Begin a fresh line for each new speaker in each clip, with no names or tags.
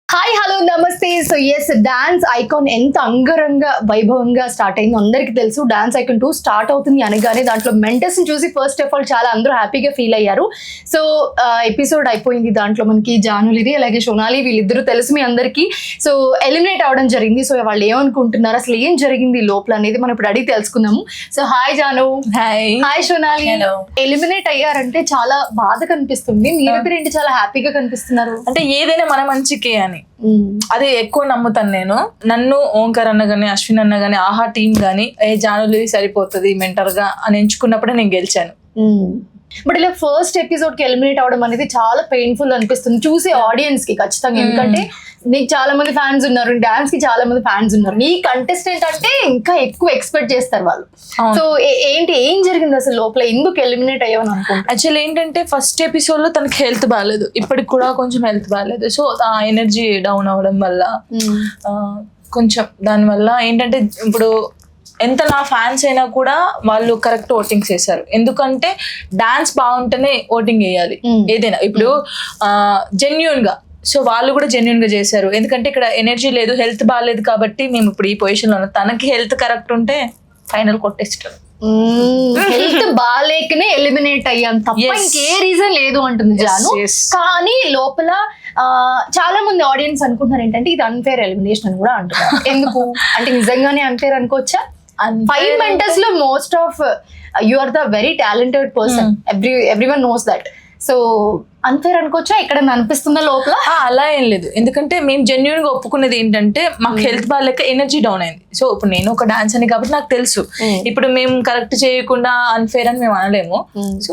Hi hello నమస్తే. So yes, dance icon ఎంత అంగరంగ వైభవంగా స్టార్ట్ అయిందో అందరికీ తెలుసు. డాన్స్ ఐకాన్ 2 స్టార్ట్ అవుతుంది అనగానే దాంట్లో మెంటర్స్ ని చూసి ఫస్ట్ ఆఫ్ ఆల్ చాలా అందరూ హ్యాపీగా ఫీల్ అయ్యారు. సో ఎపిసోడ్ అయిపోయింది. దాంట్లో మనకి జానులిరి అలాగే సోనాలి వీళ్ళిద్దరూ తెలుసు మీ అందరికీ. సో ఎలిమినేట్ అవడం జరిగింది. సో వాళ్ళు ఏమనుకుంటున్నారు, అసలు ఏం జరిగింది లోపల అనేది మనం ఇప్పుడు అడిగి తెలుసుకుందాము. So hi Janu. Hi Sonali. Eliminate అయ్యారంటే చాలా బాధ కనిపిస్తుంది, మీరిద్దరు ఏంటి చాలా హ్యాపీగా కనిపిస్తున్నారు?
అంటే ఏదైనా మన మంచికే అని అది ఎక్కువ నమ్ముతాను నేను. నన్ను ఓంకార్ అన్న గానీ అశ్విన్ అన్న గానీ ఆహా టీం గానీ జానులి సరిపోతుంది మెంటర్ గా అని ఎంచుకున్నప్పుడే నేను గెలిచాను.
బట్ ఇలా ఫస్ట్ ఎపిసోడ్ కి ఎలిమినేట్ అవడం అనేది చాలా పెయిన్ఫుల్ అనిపిస్తుంది చూసే ఆడియన్స్ కి ఖచ్చితంగా. ఎందుకంటే నీకు చాలా మంది ఫ్యాన్స్ ఉన్నారు, డాన్స్ కి చాలా మంది ఫ్యాన్స్ ఉన్నారు, నీ కంటెస్టెంట్ అంటే ఇంకా ఎక్కువ ఎక్స్పెక్ట్ చేస్తారు వాళ్ళు. సో ఏం జరిగింది అసలు లోపల, ఎందుకు ఎలిమినేట్ అయ్యావని అనుకుంటా?
యాక్చువల్లీ ఏంటంటే ఫస్ట్ ఎపిసోడ్ లో తనకి హెల్త్ బాగాలేదు, ఇప్పటికి కూడా కొంచెం హెల్త్ బాగాలేదు. సో ఆ ఎనర్జీ డౌన్ అవడం వల్ల కొంచెం దానివల్ల ఏంటంటే ఇప్పుడు ఎంత నా ఫ్యాన్స్ అయినా కూడా వాళ్ళు కరెక్ట్ ఓటింగ్ చేశారు. ఎందుకంటే డాన్స్ బాగుంటేనే ఓటింగ్ వేయాలి ఏదైనా. ఇప్పుడు జెన్యున్ గా, సో వాళ్ళు కూడా జెన్యున్ గా చేశారు. ఎందుకంటే ఇక్కడ ఎనర్జీ లేదు, హెల్త్ బాగాలేదు కాబట్టి మేము ఇప్పుడు ఈ పొజిషన్ లో ఉన్నాం. తనకి హెల్త్ కరెక్ట్ ఉంటే ఫైనల్ కొట్టేస్తాం.
హెల్త్ బాగాలేకనే ఎలిమినేట్ అయ్యాం తప్ప ఇంకే రీజన్ లేదు అంటుంది జాను. కానీ లోపల చాలా మంది ఆడియన్స్ అనుకుంటున్నారు ఏంటంటే ఇది అన్ఫేర్ ఎలిమినేషన్ అని కూడా అంటున్నారు. ఎందుకు అంటే నిజంగానే అన్ఫేర్ అనుకోవచ్చా? 5 మెంటర్స్ లో most of you are the very talented person, everyone knows that. So unfair అనుకోవచ్చా? ఇక్కడ అనిపిస్తుందా లోపల?
అలా ఏం లేదు, ఎందుకంటే మేము జెన్యున్ గా ఒప్పుకునేది ఏంటంటే మాకు హెల్త్ బాగాలేక ఎనర్జీ డౌన్ అయింది. సో ఇప్పుడు నేను ఒక డాన్స్ అని కాబట్టి నాకు తెలుసు, ఇప్పుడు మేము కరెక్ట్ చేయకుండా అన్ఫేర్ అని మేము అనలేము. సో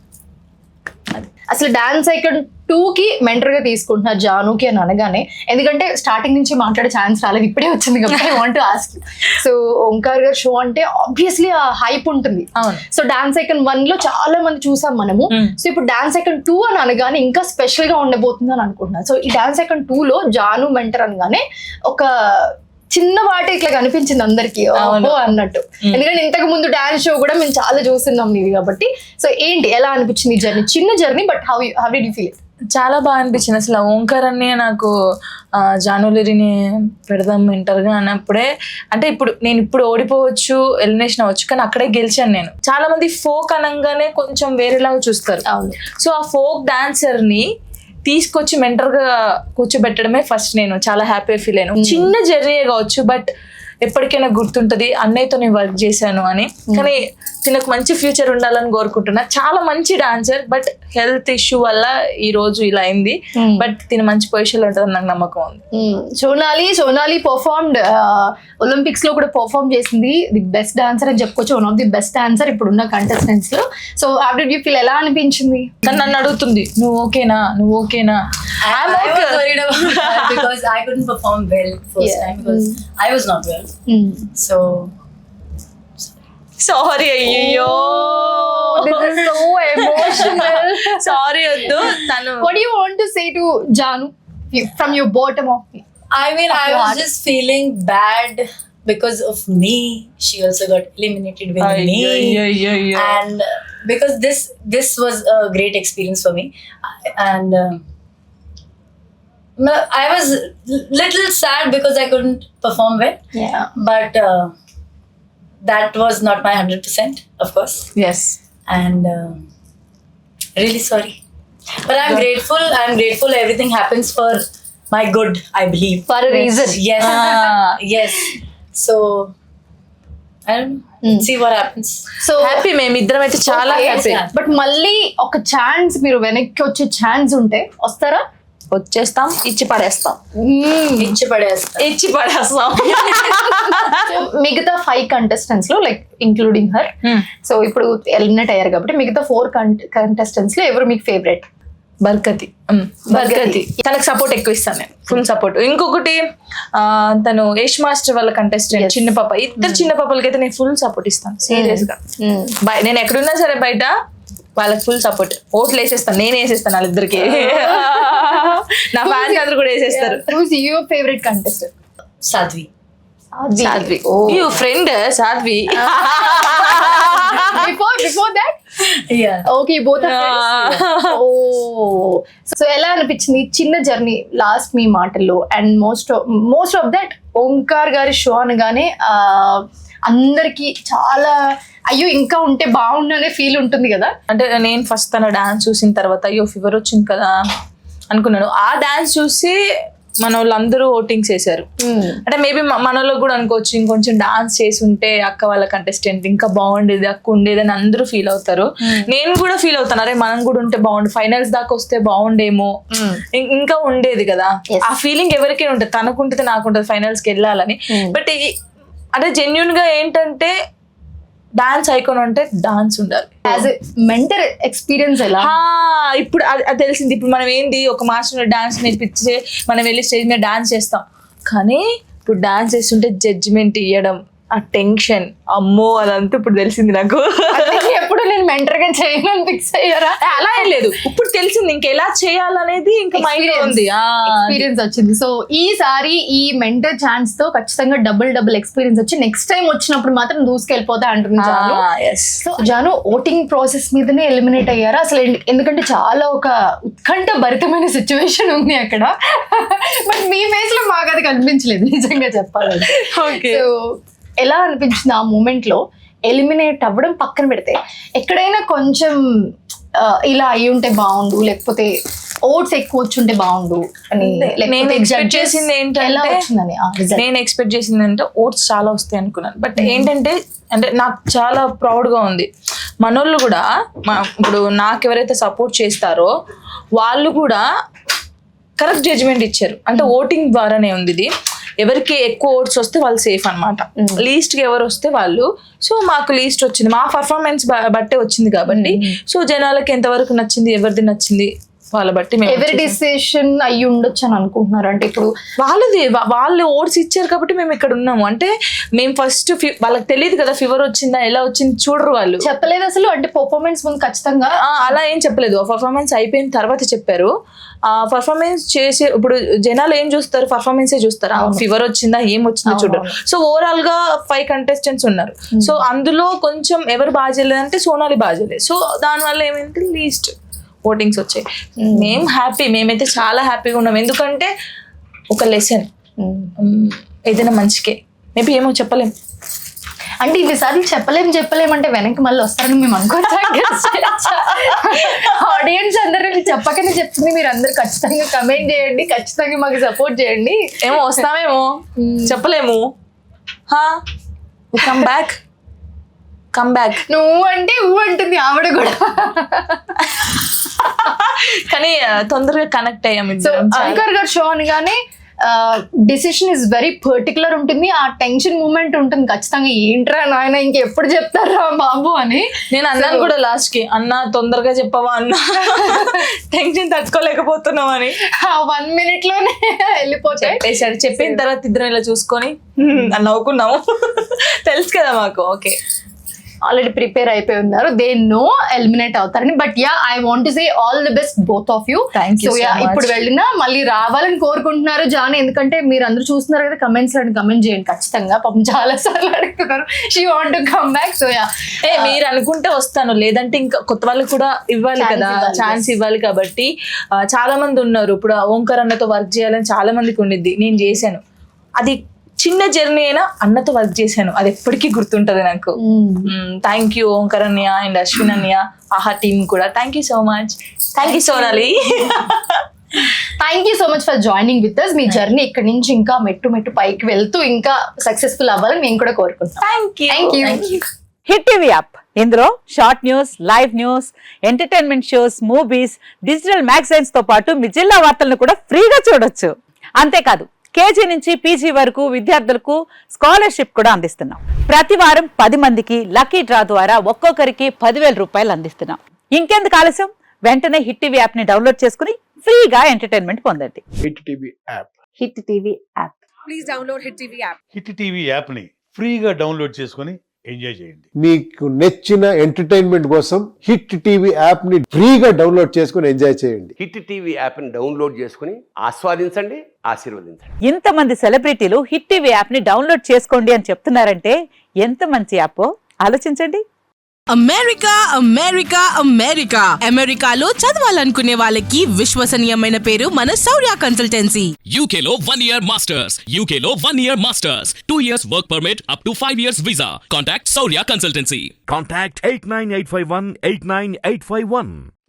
అసలు డాన్స్ ఐకాన్ 2 కి మెంటర్ గా తీసుకుంటున్నారు జానుకి అని అనగానే, ఎందుకంటే స్టార్టింగ్ నుంచి మాట్లాడే ఛాన్స్ రాలేదు, ఇప్పుడే వచ్చింది కాబట్టి I want to ask. So Omkar గారు షో అంటే ఆబ్వియస్లీ ఆ హైప్ ఉంటుంది. సో డాన్స్ ఐకాన్ 1 లో చాలా మంది చూసాం మనము. సో ఇప్పుడు డాన్స్ ఐకాన్ 2 అని అనగానే ఇంకా స్పెషల్ గా ఉండబోతుంది అని అనుకుంటున్నాను. సో ఈ డాన్స్ ఐకాన్ 2 లో జాను మెంటర్ అనగానే ఒక చిన్న వాటి ఇట్లా కనిపించింది అందరికి అన్నట్టు. ఎందుకంటే ఇంతకు ముందు డాన్స్ షో కూడా మేము చాలా చూస్తున్నాం ఇది కాబట్టి. సో ఏంటి, ఎలా అనిపించింది జర్నీ? చిన్న journey, but how did you feel it?
చాలా బాగా అనిపించింది. అసలు ఓంకార్ అన్ని నాకు జానులిరిని పెడదాం మెంటర్ గా అన్నప్పుడే, అంటే నేను ఇప్పుడు ఓడిపోవచ్చు, ఎలిమినేషన్ అవ్వచ్చు, కానీ అక్కడే గెలిచాను నేను. చాలా మంది ఫోక్ అనగానే కొంచెం వేరేలాగా చూస్తారు. సో ఆ ఫోక్ డాన్సర్ ని తీసుకొచ్చి మెంటర్ గా కూర్చోబెట్టడమే ఫస్ట్ నేను చాలా హ్యాపీ ఫీల్ అయ్యాను. చిన్న జర్నీ కావచ్చు, బట్ ఎప్పటికైనా గుర్తుంటది అన్నయ్యతో నేను వర్క్ చేశాను అని. కానీ తినకు మంచి ఫ్యూచర్ ఉండాలని కోరుకుంటున్నా. చాలా మంచి డాన్సర్, బట్ హెల్త్ ఇష్యూ వల్ల ఈ రోజు ఇలా అయింది. బట్ తిన మంచి పొజిషన్ లో ఉంటుందని నాకు నమ్మకం ఉంది.
సోనాలి పర్ఫార్మ్డ్ ఒలింపిక్స్ లో కూడా పర్ఫార్మ్ చేసింది. ది బెస్ట్ డాన్సర్ అని చెప్పుకోవచ్చు, one of the best dancer ఇప్పుడున్న కంటెస్టెంట్స్ లో. So how did you feel, ఎలా అనిపించింది?
నన్ను అడుగుతుంది నువ్వు ఓకేనా.
I was worried about that because I couldn't perform well first time because I was not well. So
sorry అయ్యో,
this is so emotional.
Sorry వద్దు.
What do you want to say to Janu from your bottom of it?
I mean, I was just feeling bad because of me. She also got eliminated with me. And because this was a great experience for me, and I was little sad because I couldn't perform well.
Yeah.
But that was not my 100%, of course.
Yes.
And really sorry. But I'm grateful. Everything happens for my good, I believe.
For a reason.
Yes. Yes. So I don't know. See what happens.
So
happy, మేమిద్దరం అయితే చాలా happy.
But మళ్ళీ ఒక chance, మీరు వెనక్కి వచ్చే chance ఉంటే వస్తారా?
వచ్చేస్తాం, ఇచ్చి పడేస్తాం.
మిగతా 5 కంటెస్టెంట్స్ లో లైక్ ఇంక్లూడింగ్ హర్, సో ఇప్పుడు ఎలిమినేట్ అయ్యారు కాబట్టి మిగతా 4 కంటెస్టెంట్స్ లో ఎవరు మీకు ఫేవరెట్?
బర్కతి. తనకు సపోర్ట్ ఎక్కువ ఇస్తాను నేను, ఫుల్ సపోర్ట్. ఇంకొకటి తను యష్ మాస్టర్ వాళ్ళ కంటెస్టెంట్ చిన్న పాప, ఇద్దరు చిన్న పాపలకి అయితే నేను ఫుల్ సపోర్ట్ ఇస్తాను సీరియస్ గా. నేను ఎక్కడున్నా సరే బయట వాళ్ళకి ఫుల్ సపోర్ట్, ఓట్లు వేసేస్తాను, నేను వేసేస్తాను వాళ్ళిద్దరికి. నా ఫ్యాన్స్ అందరూ కూడా వేసేస్తారు.
Your favourite contestant?
Sadhvi.
You friend Sadhvi.
Before that
Yeah.
Okay both oh so ఎలా అనిపించింది చిన్న జర్నీ లాస్ట్ మీ మాటల్లో and most of that Omkar గారి షో అనగానే అందరికి చాలా అయ్యో ఇంకా ఉంటే బాగుండు అనే ఫీల్ ఉంటుంది కదా.
అంటే నేను ఫస్ట్ తన డాన్స్ చూసిన తర్వాత అయ్యో ఫీవర్ వచ్చింది కదా అనుకున్నాను. ఆ డాన్స్ చూసి మన వాళ్ళందరూ ఓటింగ్స్ వేశారు. అంటే మేబీ మనలో కూడా అనుకోవచ్చు ఇంకొంచెం డాన్స్ చేసి ఉంటే అక్క వాళ్ళ కంటెస్టెంట్ ఇంకా బాగుండేది, అక్క ఉండేది అని అందరూ ఫీల్ అవుతారు. నేను కూడా ఫీల్ అవుతాను, అరే మనం కూడా ఉంటే బాగుండు, ఫైనల్స్ దాకా వస్తే బాగుండేమో, ఇంకా ఉండేది కదా. ఆ ఫీలింగ్ ఎవరికైనా ఉంటుంది, తనకుంటుంది నాకుంటుంది ఫైనల్స్కి వెళ్ళాలని. బట్ అంటే జెన్యున్ గా ఏంటంటే డాన్స్ ఐకాన్ అంటే డాన్స్ ఉండాలి.
యాజ్ ఎ మెంటర్ ఎక్స్పీరియన్స్ ఎలా?
ఇప్పుడు అది తెలిసింది. ఇప్పుడు మనం ఏంది ఒక మాస్టర్ డాన్స్ నేర్పించే మనం వెళ్ళి స్టేజ్ మీద డాన్స్ చేస్తాం, కానీ ఇప్పుడు డాన్స్ చేస్తుంటే జడ్జిమెంట్ ఇవ్వడం, ఆ టెన్షన్, అమ్మో అదంతా ఇప్పుడు తెలిసింది నాకు.
ఎప్పుడు నేను మెంటర్ గా చేయను ఫిక్స్ అయ్యారా?
అలా ఏం లేదు, ఇప్పుడు తెలిసింది ఇంకా ఎలా చేయాలనేది ఇంకా మైండ్ లో ఉంది,
ఎక్స్పీరియన్స్ వచ్చింది. సో ఈసారి ఈ మెంటర్ ఛాన్స్ తో ఖచ్చితంగా డబుల్ ఎక్స్పీరియన్స్ వచ్చి నెక్స్ట్ టైం వచ్చినప్పుడు మాత్రం దూసుకెళ్ళిపోతా అంటున్నాను Janu. So Janu voting process మీదనే ఎలిమినేట్ అయ్యారా అసలు? ఎందుకంటే చాలా ఒక ఉత్కంఠ భరితమైన సిచ్యువేషన్ ఉంది అక్కడ. బట్ మీ ఫేస్ లో మాకు అది కనిపించలేదు నిజంగా చెప్పాలంటే. సో ఎలా అనిపించింది ఆ మూమెంట్ లో ఎలిమినేట్ అవ్వడం పక్కన పెడితే? ఎక్కడైనా కొంచెం ఇలా అయి ఉంటే బాగుండు, లేకపోతే ఓట్స్ ఎక్కువ వచ్చుంటే బాగుండు అని
నేను ఎక్స్పెక్ట్ చేసింది ఏంటంటే
వచ్చిందని
ఎక్స్పెక్ట్ చేసింది అంటే ఓట్స్ చాలా వస్తాయి అనుకున్నాను. బట్ ఏంటంటే అంటే నాకు చాలా ప్రౌడ్గా ఉంది, మనోళ్ళు కూడా ఇప్పుడు నాకు ఎవరైతే సపోర్ట్ చేస్తారో వాళ్ళు కూడా కరెక్ట్ జడ్జిమెంట్ ఇచ్చారు. అంటే ఓటింగ్ ద్వారానే ఉంది ఇది. ఎవరికి ఎక్కువ ఓట్స్ వస్తే వాళ్ళు సేఫ్ అనమాట, లీస్ట్కి ఎవరు వస్తే వాళ్ళు. సో మాకు లీస్ట్ వచ్చింది, మా పర్ఫార్మెన్స్ బట్టే వచ్చింది కాబట్టి. సో జనాలకి ఎంతవరకు నచ్చింది, ఎవరిది నచ్చింది వాళ్ళ బట్టి
ఎవరి డిసిషన్ అయ్యి ఉండొచ్చు అని అనుకుంటున్నారు. అంటే ఇప్పుడు
వాళ్ళు ఓట్స్ ఇచ్చారు కాబట్టి మేము ఇక్కడ ఉన్నాము. అంటే మేము ఫస్ట్ వాళ్ళకి తెలియదు కదా ఫీవర్ వచ్చిందా ఎలా వచ్చింది చూడరు, వాళ్ళు
చెప్పలేదు అసలు. అంటే పర్ఫార్మెన్స్ ముందు ఖచ్చితంగా
అలా ఏం చెప్పలేదు, పర్ఫార్మెన్స్ అయిపోయిన తర్వాత చెప్పారు. ఆ పర్ఫార్మెన్స్ చేసే ఇప్పుడు జనాలు ఏం చూస్తారు, పర్ఫార్మెన్సే చూస్తారు, ఫీవర్ వచ్చిందా ఏం వచ్చిందో చూడరు. సో ఓవరాల్ గా 5 కంటెస్టెంట్స్ ఉన్నారు. సో అందులో కొంచెం ఎవరు బాగా చేయలేదంటే సోనాలి బాగా చేయలేదు. సో దానివల్ల ఏమైంది లీస్ట్ ఓటింగ్స్ వచ్చాయి. మేము హ్యాపీ, మేమైతే చాలా హ్యాపీగా ఉన్నాం. ఎందుకంటే ఒక లెసన్ ఏదైనా మంచికే, మేబీ ఏమో చెప్పలేం.
అంటే ఇవిసారి చెప్పలేం అంటే వెనక్కి మళ్ళీ వస్తారని మేము అనుకోవచ్చు. ఆడియన్స్ అందరూ చెప్పకనే చెప్తుంది, మీరు అందరు ఖచ్చితంగా కమెంట్ చేయండి, ఖచ్చితంగా మాకు సపోర్ట్ చేయండి.
ఏమో వస్తామేమో చెప్పలేము. కమ్ బ్యాక్
నువ్వు అంటే ఊ అంటుంది ఆవిడ కూడా.
కానీ తొందరగా కనెక్ట్ అయ్యాము.
సో ఓంకార్ గారు షో అనగానే డిసిషన్ ఇస్ వెరీ పర్టికులర్ ఉంటుంది, ఆ టెన్షన్ మూమెంట్ ఉంటుంది ఖచ్చితంగా. ఏంట్రా నాయన ఇంకెప్పుడు చెప్తారా బాబు అని
నేను అన్నాను కూడా లాస్ట్ కి, అన్న తొందరగా చెప్పవా అన్న, టెన్షన్ తట్టుకోలేకపోతున్నాం అని.
1 minute లోనే వెళ్ళిపోతాయి.
చెప్పిన తర్వాత ఇద్దరం ఇలా చూసుకొని నవ్వుకున్నాము. తెలుసు కదా మాకు, ఓకే
ఆల్రెడీ ప్రిపేర్ అయిపోయి ఉన్నారు, దే నో ఎలిమినేట్ అవుతారని. But yeah I want to say all the best both of you.
So
yeah ఇప్పుడు వెళ్ళినా మళ్ళీ రావాలని కోరుకుంటున్నారు జాను, ఎందుకంటే మీరు అందరూ చూస్తున్నారు కదా కమెంట్స్ లో, కమెంట్ చేయండి ఖచ్చితంగా. పాపం చాలా సార్లు అడుగుతున్నారు she want to come back. So yeah
మీరు అనుకుంటే వస్తాను, లేదంటే ఇంకా కొత్త వాళ్ళకి కూడా ఇవ్వాలి కదా, ఛాన్స్ ఇవ్వాలి. కాబట్టి చాలా మంది ఉన్నారు, ఇప్పుడు ఓంకార్ అన్నతో వర్క్ చేయాలని చాలా మందికి ఉండిద్ది. నేను చేశాను, అది చిన్న జర్నీ అయినా అన్నతో వర్క్ చేశాను, అది ఎప్పటికీ గుర్తుంటది నాకు. థ్యాంక్ యూ ఓంకార్ అన్నయ్య అండ్ అశ్విన్ అన్నయ్య, ఆహా టీమ్ కూడా thank you so much. Thank you Sonali.
Thank you so much for joining with us. మీ జర్నీ ఇక్కడ నుంచి ఇంకా మెట్టు పైకి వెళ్తూ ఇంకా సక్సెస్ఫుల్ అవ్వాలని మేము కూడా కోరుకుంటాం.
Thank you.
Hit TV app, ఇందులో short news, live news, entertainment shows, movies, digital magazines తో పాటు మీ జిల్లా వార్తలను కూడా ఫ్రీగా చూడొచ్చు. అంతేకాదు కేజీ నుంచి పీజీ వరకు విద్యార్థులకు స్కాలర్షిప్ కూడా అందిస్తున్నాం. ప్రతి వారం 10 మందికి లక్కీ డ్రా ద్వారా ఒక్కొక్కరికి 10,000 రూపాయలు అందిస్తున్నాం. ఇంకెందుకు ఆలస్యం, వెంటనే హిట్ టీవీ యాప్ ని డౌన్లోడ్ చేసుకుని ఫ్రీగా ఎంటర్టైన్మెంట్ పొందండి.
Hit TV app.
Hit TV app.
Please download Hit TV app.
Hit TV app ని ఫ్రీగా డౌన్లోడ్ చేసుకొని ఎంజాయ్ చేయండి.
మీకు నచ్చిన ఎంటర్టైన్మెంట్ కోసం హిట్ టీవీ యాప్ ని ఫ్రీగా డౌన్లోడ్ చేసుకుని ఎంజాయ్ చేయండి.
హిట్ టీవీ యాప్ని డౌన్లోడ్ చేసుకుని ఆస్వాదించండి, ఆశీర్వదించండి.
ఇంతమంది సెలబ్రిటీలు హిట్ టీవీ యాప్ ని డౌన్లోడ్ చేసుకోండి అని చెప్తున్నారంటే ఎంత మంచి యాప్ ఆలోచించండి.
అమెరికా అమెరికా అమెరికా అమెరికాలో చదవాలనుకునే వాళ్ళకి విశ్వసనీయమైన పేరు మన Shaurya consultancy.
UK Law 1 Year Masters. UK Law 1 Year Masters. 2 years work permit up to 5 years visa. Contact Saurya Consultancy.
Contact 89851 89851.